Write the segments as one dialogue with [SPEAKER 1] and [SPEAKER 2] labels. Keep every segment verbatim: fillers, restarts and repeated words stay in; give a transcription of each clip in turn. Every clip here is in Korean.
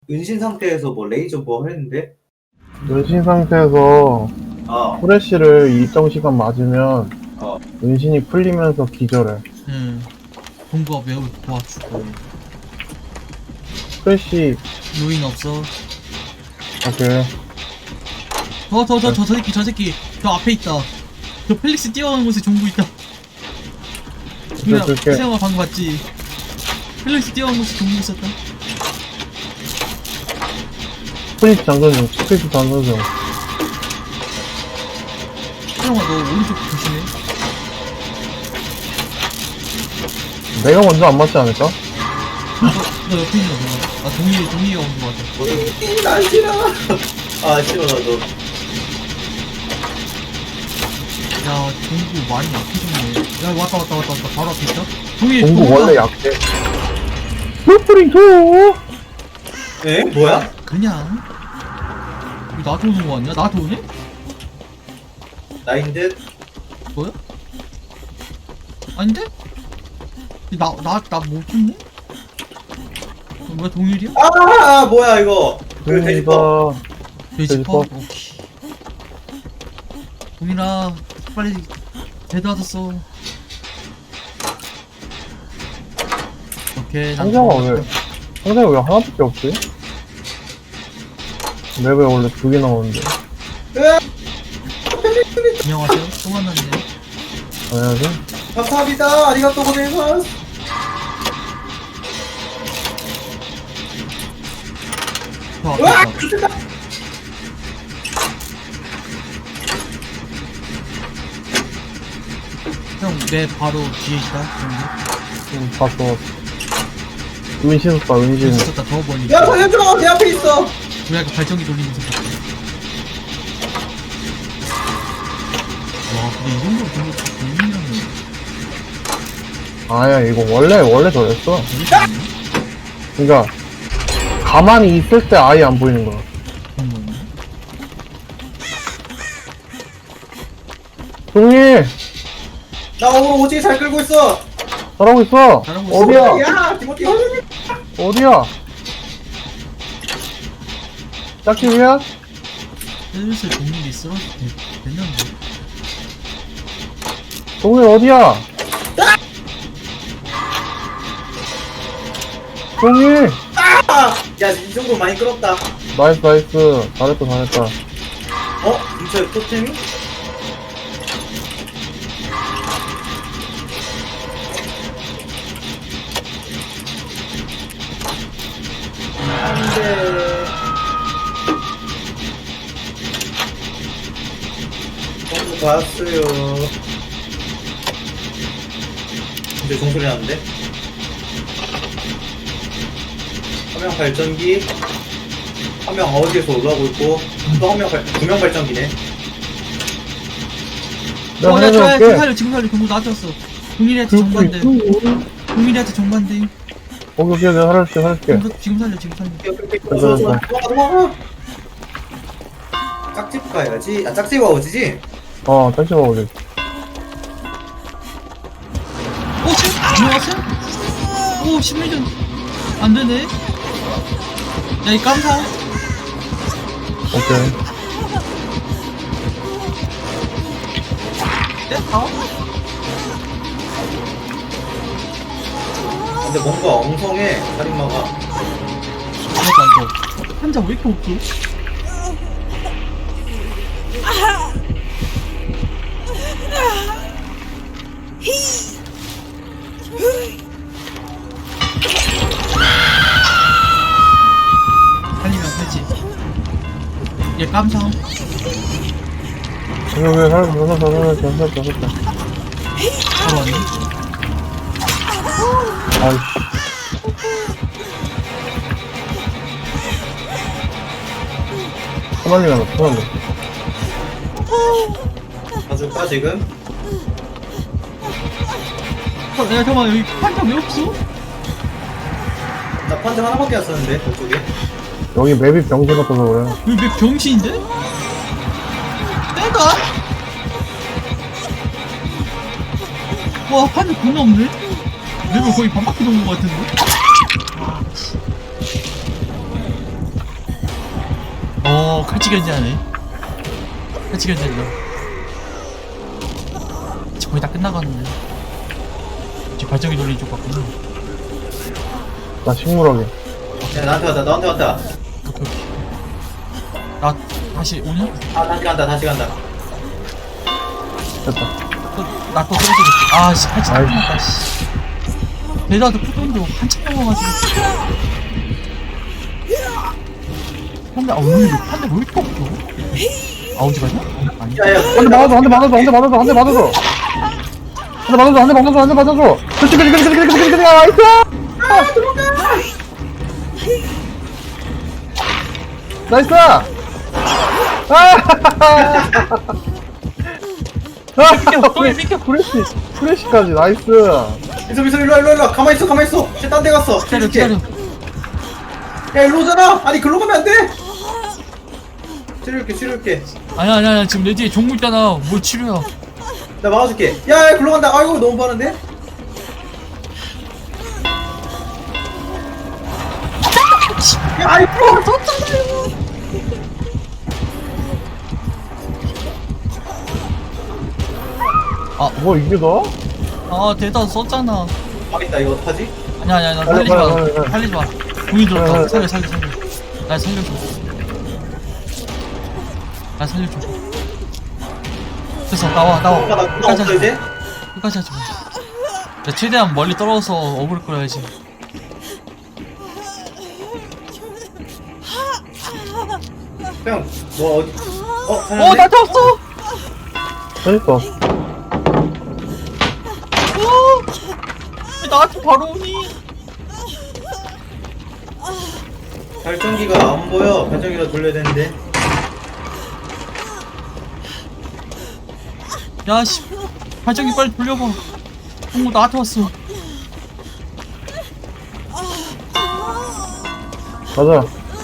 [SPEAKER 1] 은신 상태에서 뭐 레이저 뭐 했는데?
[SPEAKER 2] 은신 상태에서
[SPEAKER 1] 어.
[SPEAKER 2] 후레쉬를 일정 시간 맞으면
[SPEAKER 1] 어.
[SPEAKER 2] 은신이 풀리면서 기절해.
[SPEAKER 3] 응. 동구가 매우 도와주고.
[SPEAKER 2] 후레쉬
[SPEAKER 3] 루인 없어.
[SPEAKER 2] 오케이.
[SPEAKER 3] 저, 저, 저, 저, 저 새끼, 저 새끼. 저 앞에 있다. 저 펠릭스 뛰어가는 곳에 종구 있다. 그냥,
[SPEAKER 2] 줄게.
[SPEAKER 3] 세영아 방금 봤지? 펠릭스 뛰어가는 곳에 종구 있었다.
[SPEAKER 2] 스프리트 장전 중. 스프리트 장전 중.
[SPEAKER 3] 세영아, 너 오른쪽 조심해.
[SPEAKER 2] 내가 먼저 안 맞지 않을까?
[SPEAKER 3] 너, 너 옆에 있는 거. 아, 동희, 동희가 온거 같아.
[SPEAKER 1] 난 싫어. 아 싫어 나도.
[SPEAKER 3] 야, 동구 많이 약해졌네. 야, 왔다, 왔다, 왔다, 왔다. 바로 앞에 있다. 동희,
[SPEAKER 2] 공구
[SPEAKER 3] 동구가
[SPEAKER 2] 원래 약해. 스프링트!
[SPEAKER 1] 에? 뭐야?
[SPEAKER 3] 그냥. 이거 나한테 오는 거 아니야? 나한테 오네?
[SPEAKER 1] 나인 듯?
[SPEAKER 3] 뭐야? 아닌데? 나, 나, 나 못 쳤네? 뭐야, 동일이야?
[SPEAKER 1] 아 뭐야 이거? 그 돼지퍼.
[SPEAKER 2] 동구가
[SPEAKER 3] 돼지퍼?
[SPEAKER 2] 돼지퍼.
[SPEAKER 3] 오케이. 동일아, 빨리 대도와줬어. 오케이, 난
[SPEAKER 2] 상자가 왜
[SPEAKER 3] 들어갔다.
[SPEAKER 2] 상자가 왜 하나밖에 없지? 맵에 원래 두 개 나오는데.
[SPEAKER 3] 안녕하세요. 또 만났네.
[SPEAKER 2] 당연하지?
[SPEAKER 1] 감사합니다. 아리가또 고생하셨.
[SPEAKER 3] 저 앞에
[SPEAKER 1] 으악!
[SPEAKER 3] 있다.
[SPEAKER 1] 죽겠다.
[SPEAKER 3] 형, 내 바로 뒤에 있다.
[SPEAKER 2] 응, 봤어. 은신 오빠,
[SPEAKER 3] 여기
[SPEAKER 2] 은신.
[SPEAKER 3] 있었다. 더 멀리.
[SPEAKER 1] 야 살려줘. 내 앞에 있어.
[SPEAKER 3] 우리 아까 발전기 돌리면서 봤다. 와, 근데 이 정도로 정말 재밌는
[SPEAKER 2] 아야, 이거 원래, 원래 저랬어.
[SPEAKER 3] 거 모르겠네.
[SPEAKER 2] 그니까, 가만히 있을 때 아예 안 보이는 거야.
[SPEAKER 3] 그런 거였네.
[SPEAKER 2] 동희!
[SPEAKER 1] 나 오늘 오지게 잘 끌고 있어.
[SPEAKER 2] 잘하고 있어!
[SPEAKER 3] 잘하고 있어.
[SPEAKER 2] 어디야?
[SPEAKER 1] 야 디모티.
[SPEAKER 2] 어디야? 짝지 위야?
[SPEAKER 3] 슬슬 동일이 쓰러져 되- 됐는데.
[SPEAKER 2] 동희 어디야? 동희!
[SPEAKER 1] 야이 정도 많이 끌었다.
[SPEAKER 2] 나이스, 나이스. 잘했다, 잘했다.
[SPEAKER 1] 어? 근처에 토템이? 안돼. 정수 봤어요. 근데 종소리 나는데? 한 명 발전기, 한 명 어디에서 올라오고 있고, 또 한 명 발, 두 명 발전기네.
[SPEAKER 2] 내가
[SPEAKER 3] 어, 야, 저, 야, 지금
[SPEAKER 2] 해줄게.
[SPEAKER 3] 살려, 지금 살려. 경고 나한테 왔어. 동일이한테
[SPEAKER 2] 그리고
[SPEAKER 3] 정반대.
[SPEAKER 2] 있고.
[SPEAKER 3] 동일이한테 정반대.
[SPEAKER 2] 오케이, 오케이, 내가 살려줄게, 살려줄게.
[SPEAKER 3] 지금, 지금 살려, 지금 살려.
[SPEAKER 1] 어서 어서 도망가. 짝집 가야지. 아 짝집 와우지지?
[SPEAKER 2] 어, 짝지 봐, 우리.
[SPEAKER 3] 오, 씨! 안녕하세요? 오, 심리전. 안 되네. 야, 이 깜사.
[SPEAKER 2] 오케이.
[SPEAKER 3] 네? 아?
[SPEAKER 1] 근데 뭔가 엉성해 살인마가.
[SPEAKER 3] 맞다, 이거. 환자 왜 이렇게 없어? 살리면 되지. 얘 깜상.
[SPEAKER 2] 오케이, 오케이, 살렸어, 살렸어, 살렸어, 살렸어, 살렸어.
[SPEAKER 3] 바로 왔네.
[SPEAKER 2] 아이씨. 토날리가 나, 토날리.
[SPEAKER 1] 봐줄까 지금?
[SPEAKER 3] 어, 야, 잠깐만, 여기 환자 왜 없어?
[SPEAKER 1] 나 판정 하나밖에 안 썼는데 저쪽에.
[SPEAKER 2] 여기 맵이 병신 같아서 그래.
[SPEAKER 3] 여기 몇 병신인데? 내가? 와, 환자 존나 없네? 레벨 거의 반바퀴 도는 것 같은데? 어, 칼치 견제하네. 칼치 견제한다. 이제 거의 다 끝나가는데. 이제 발전기 돌리는 쪽 같구나.
[SPEAKER 2] 나 식물하게.
[SPEAKER 1] 야, 나한테 왔다, 너한테 왔다.
[SPEAKER 3] 오케이, 오케이. 나, 다시 오냐?
[SPEAKER 1] 아, 다시 간다, 다시 간다.
[SPEAKER 2] 됐다.
[SPEAKER 3] 또, 나또 쓰러지겠지. 아, 씨, 칼치 다
[SPEAKER 2] 아이씨.
[SPEAKER 3] 끝났다, 씨. 대다도 푸던데 한참 넘어가지고. 근데, 아, 오늘 판데 왜 이렇게 없어? 아, 어디 가냐? 아니.
[SPEAKER 1] 야, 야,
[SPEAKER 2] 한 대 맞아줘, 한 대 맞아줘, 한 대 맞아줘, 한 대 맞아줘. 한 대 맞아줘, 한 대 맞아줘, 한 대 맞아줘. 그렇지, 그렇지, 그렇지, 그렇지, 그렇지, 그렇지, 나이스! 나이스! 아! 아!
[SPEAKER 3] 똥이 삐켜.
[SPEAKER 2] 프레쉬, 프레쉬까지, 나이스.
[SPEAKER 1] 미소, 미소, 일로와, 일로와, 일로와. 가만히 있어, 가만히 있어. 쟤딴데 갔어.
[SPEAKER 3] 기다려,
[SPEAKER 1] 칠게.
[SPEAKER 3] 기다려.
[SPEAKER 1] 야, 일로 오잖아. 아니, 글로 가면 안 돼. 치료할게, 치료할게.
[SPEAKER 3] 아니야, 아니야, 아니야. 지금 내 뒤에 종구 있잖아. 뭘 치료야.
[SPEAKER 1] 나 막아줄게. 야, 야, 글로 간다. 아이고, 너무 빠른데? 야, 아이고,
[SPEAKER 2] 뭐, 이게 너?
[SPEAKER 3] 아, 대다 썼잖아.
[SPEAKER 1] 망했다. 이거 어떡하지?
[SPEAKER 3] 아니야, 아니야, 나
[SPEAKER 2] 빨리,
[SPEAKER 3] 살리지 마.
[SPEAKER 2] 빨리, 빨리.
[SPEAKER 3] 살리지 마. 돈이
[SPEAKER 2] 빨리,
[SPEAKER 3] 들었다.
[SPEAKER 2] 빨리.
[SPEAKER 3] 살려, 살려, 살려. 나 살려줘. 나 살려줘. 됐어, 나와, 나와.
[SPEAKER 1] 아, 나 누나
[SPEAKER 3] 끝까지
[SPEAKER 1] 없어,
[SPEAKER 3] 하지 마.
[SPEAKER 1] 이제?
[SPEAKER 3] 끝까지 하지 마. 야, 최대한 멀리 떨어져서 어그를 끌어야지.
[SPEAKER 1] 형, 뭐, 어디, 어,
[SPEAKER 3] 어,
[SPEAKER 1] 사는데?
[SPEAKER 3] 나한테 왔어!
[SPEAKER 2] 재밌어.
[SPEAKER 3] 어! 왜 나한테 바로 오니?
[SPEAKER 1] 발전기가 안 보여. 발전기가 돌려야 되는데.
[SPEAKER 3] 야, 씨. 발전기 빨리 돌려봐. 어, 나한테 왔어.
[SPEAKER 2] 가자.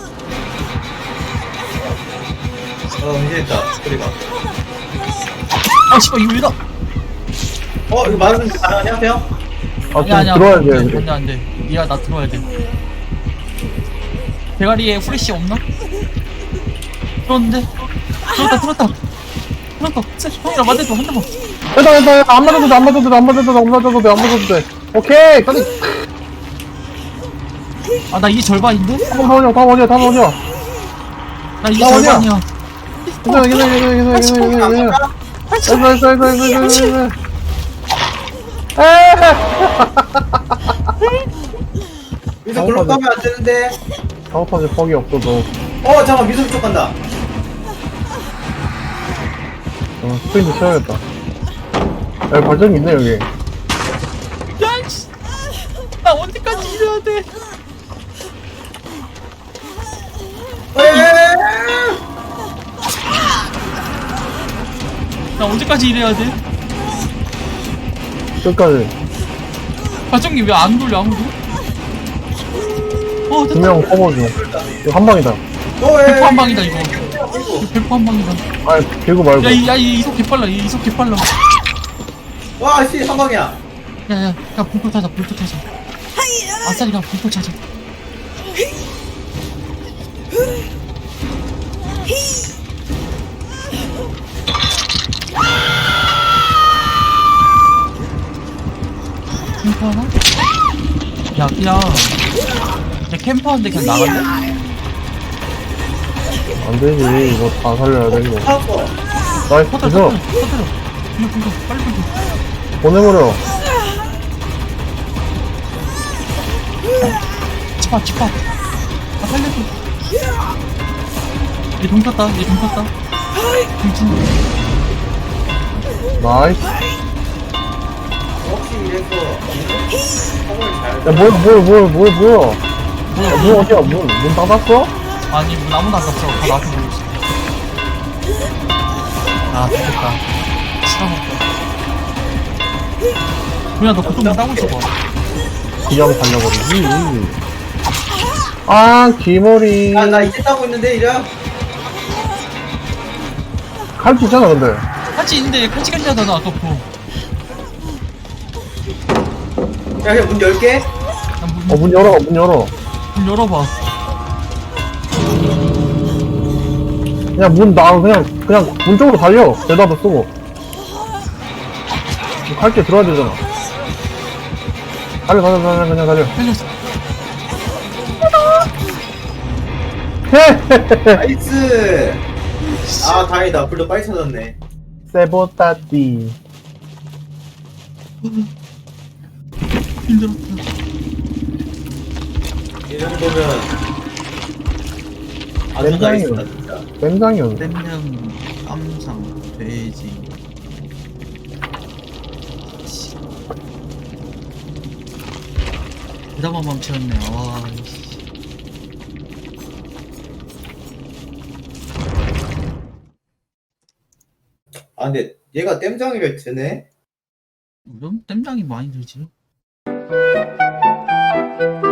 [SPEAKER 1] 어, 은신했다. 소리가.
[SPEAKER 3] 아, 씨발, 이거 왜다?
[SPEAKER 1] 어, 이거 맞으면 가능하냐, 형?
[SPEAKER 2] 아,
[SPEAKER 3] 아니야,
[SPEAKER 2] 좀
[SPEAKER 3] 아니야.
[SPEAKER 2] 들어와야
[SPEAKER 3] 안
[SPEAKER 2] 돼,
[SPEAKER 3] 돼,
[SPEAKER 2] 우리.
[SPEAKER 3] 안 돼, 안 돼. 니가 나 들어야 돼. 대가리에 후레쉬 없나? 들었는데? 들었다, 들었다. 들었다. 쎄, 형이랑 맞아줘, 한 대만.
[SPEAKER 2] 됐다, 됐다, 됐다. 안 맞아도 돼, 안 맞아도 돼, 안 맞아도 돼, 안 맞아도 돼, 안 맞아도 돼. 오케이! 빨리!
[SPEAKER 3] 아, 나 이게 절반인데?
[SPEAKER 2] 다음 어디야, 다음 어디야, 다음 어디야.
[SPEAKER 3] 나 이게
[SPEAKER 2] 나 어디야?
[SPEAKER 3] 절반이야.
[SPEAKER 2] 괜찮아, 괜찮아, 괜찮아, 괜찮아, 괜찮아, 괜찮아. 나이스, 나이스, 나이스, 나이스, 나이스, 나이스. 에헤!
[SPEAKER 1] 미소 글로 가면 안 되는데.
[SPEAKER 2] 작업하지 퍽이 없어, 너.
[SPEAKER 1] 어, 잠깐, 미소 쪽 간다.
[SPEAKER 2] 어, 스프린트 치워야겠다. 여기 발전기 있네, 여기.
[SPEAKER 3] 야, 씨. 나 언제까지 일해야 돼?
[SPEAKER 1] 에에에에.
[SPEAKER 3] 나 언제까지 일해야 돼?
[SPEAKER 2] 끝까지.
[SPEAKER 3] 발전기 왜 안 돌려, 아무도? 어,
[SPEAKER 2] 두
[SPEAKER 3] 됐다.
[SPEAKER 2] 명 커버줘. 이거 한 방이다.
[SPEAKER 1] 어, 에.
[SPEAKER 3] 백퍼 한 방이다, 이거.
[SPEAKER 1] 아이고.
[SPEAKER 3] 이거 백퍼 한 방이다.
[SPEAKER 2] 아, 들고 말고.
[SPEAKER 3] 야, 이, 야, 이 이속 개빨라, 이 이속 개빨라.
[SPEAKER 1] 와, 씨, 한 방이야.
[SPEAKER 3] 야, 야, 야, 불토 타자, 불토 타자. 아싸리가 불토 타자. 캠프 하나? 야, 그냥. 내 캠프 하는데 그냥 나갈래?
[SPEAKER 2] 안 되지. 이거 다 살려야 돼, 이거.
[SPEAKER 1] 사왔어.
[SPEAKER 2] 나이스,
[SPEAKER 3] 터뜨려,
[SPEAKER 2] 그죠?
[SPEAKER 3] 터뜨려, 터뜨려. 불러, 불러, 빨리 불러.
[SPEAKER 2] 보내버려.
[SPEAKER 3] 집합, 집합. 아, 살려줘. 얘돈 탔다, 얘돈 탔다. 괜찮아.
[SPEAKER 2] 나이스.
[SPEAKER 1] 혹시 이래서 성을 잘.
[SPEAKER 2] 야, 뭐야, 뭐야, 뭐야, 뭐야, 뭐야.
[SPEAKER 3] 뭐야,
[SPEAKER 2] 야, 문 어디야? 문, 문 닫았어?
[SPEAKER 3] 아니, 문 아무도 안 갔어. 다 나한테 보고 있어. 아, 됐다. 싫어먹다. 그냥 너 그쪽 문 따고 있어봐.
[SPEAKER 2] 그냥 달려버리지. 아, 기머리.
[SPEAKER 1] 아, 나 이제 따고 있는데, 이제.
[SPEAKER 2] 칼수 있잖아, 근데.
[SPEAKER 3] 같이 있는데 같이 간다잖아, 아까부.
[SPEAKER 1] 야, 그냥 문 열게.
[SPEAKER 3] 문,
[SPEAKER 2] 어, 문 열어, 문 열어.
[SPEAKER 3] 문 열어봐.
[SPEAKER 2] 그냥 문, 나, 그냥, 그냥 문 쪽으로 달려. 대답을 쓰고. 갈게 들어야 되잖아. 달려, 달려, 달려, 그냥 달려.
[SPEAKER 3] 살렸어.
[SPEAKER 1] 나이스! 아, 다행이다. 불도 빨리 찾았네.
[SPEAKER 2] 세보따띠.
[SPEAKER 3] 힘들었다.
[SPEAKER 1] 이 정도면 아주
[SPEAKER 2] 랜장이요.
[SPEAKER 1] 나이스다, 진짜.
[SPEAKER 2] 뱀장이었네.
[SPEAKER 3] 땜냥, 깜상, 돼지. 대담한 맘치였네. 와, 씨.
[SPEAKER 1] 아, 근데 얘가 땜장이를 드네?
[SPEAKER 3] 이런 땜장이 많이 들지.